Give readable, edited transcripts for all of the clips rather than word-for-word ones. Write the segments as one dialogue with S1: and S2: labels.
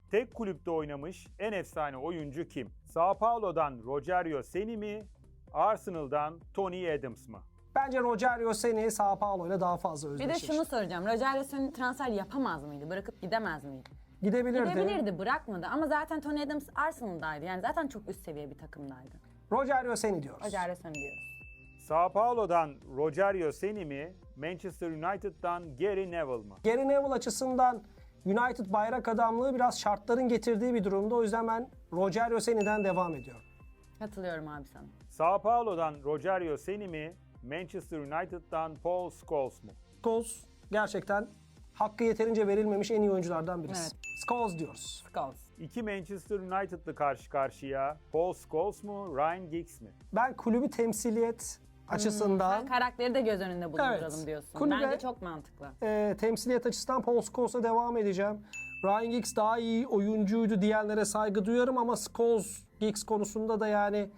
S1: Tek kulüpte oynamış en efsane oyuncu kim? Sao Paulo'dan Rogerio Ceni mi? Arsenal'dan Tony Adams mı?
S2: Bence Rogerio Ceni Sao Paulo ile daha fazla
S3: Bir
S2: özdeşleşti.
S3: de şunu soracağım. Rogerio Ceni transfer yapamaz mıydı? Bırakıp gidemez miydi?
S2: Gidebilirdi.
S3: Gidebilirdi, bırakmadı. Ama zaten Tony Adams Arsenal'daydı. Yani zaten çok üst seviye bir takımdaydı.
S2: Rogerio Ceni diyoruz.
S3: Rogerio Ceni diyoruz.
S1: Sao Paulo'dan Rogerio Ceni mi? Manchester United'dan Gary Neville mı?
S2: Gary Neville açısından United bayrak adamlığı biraz şartların getirdiği bir durumda. O yüzden ben Rogerio Ceni'den devam ediyorum.
S3: Katılıyorum abi sana.
S1: Sao Paulo'dan Rogerio Ceni mi? Manchester United'dan Paul Scholes mu?
S2: Scholes gerçekten hakkı yeterince verilmemiş en iyi oyunculardan birisi.
S3: Evet.
S2: Scholes diyoruz.
S3: Scholes.
S1: İki Manchester United'lı karşı karşıya. Paul Scholes mu? Ryan Giggs mi?
S2: Ben kulübü temsiliyet açısından,
S3: Karakteri de göz önünde bulunduralım
S2: Evet.
S3: diyorsun.
S2: Kulübe-
S3: Bence çok mantıklı.
S2: temsiliyet açısından Paul Scholes'a devam edeceğim. Ryan Giggs daha iyi oyuncuydu diyenlere saygı duyarım ama Scholes, Giggs konusunda da yani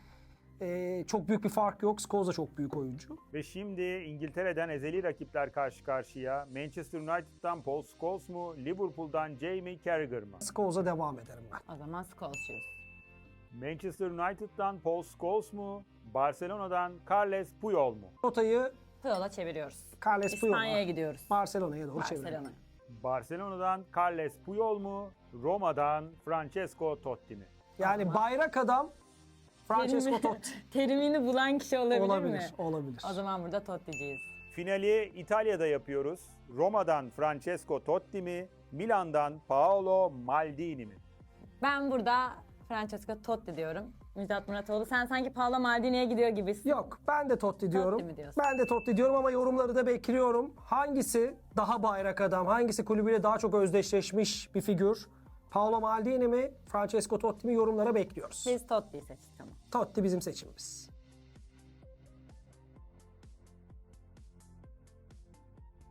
S2: çok büyük bir fark yok. Scholes da çok büyük oyuncu.
S1: Ve şimdi İngiltere'den ezeli rakipler karşı karşıya. Manchester United'dan Paul Scholes mu? Liverpool'dan Jamie Carragher mı?
S2: Scholes'a devam ederim ben.
S3: O zaman Scholes'cuyuz.
S1: Manchester United'dan Paul Scholes mu? Barcelona'dan Carles Puyol mu?
S2: Rotayı
S3: Puyol'a çeviriyoruz.
S2: Carles Puyol'a.
S3: İspanya'ya gidiyoruz.
S2: Barcelona'ya doğru çeviriyorum.
S3: Barcelona.
S1: Barcelona'dan Carles Puyol mu? Roma'dan Francesco Totti mi?
S2: Yani bayrak adam Francesco Totti.
S3: Terimini bulan kişi olabilir mi?
S2: Olabilir.
S3: O zaman burada Totti'ciyiz.
S1: Finali İtalya'da yapıyoruz. Roma'dan Francesco Totti mi? Milan'dan Paolo Maldini mi?
S3: Ben burada Francesco Totti diyorum. Müjdat Muratoğlu, sen sanki Paolo Maldini'ye gidiyor gibisin.
S2: Yok, ben de Totti diyorum.
S3: Totti mi diyorsun?
S2: Ben de Totti diyorum ama yorumları da bekliyorum. Hangisi daha bayrak adam, hangisi kulübüyle daha çok özdeşleşmiş bir figür? Paolo Maldini mi, Francesco Totti mi yorumlara bekliyoruz.
S3: Biz Totti'yi seçtik ama.
S2: Totti bizim seçimimiz.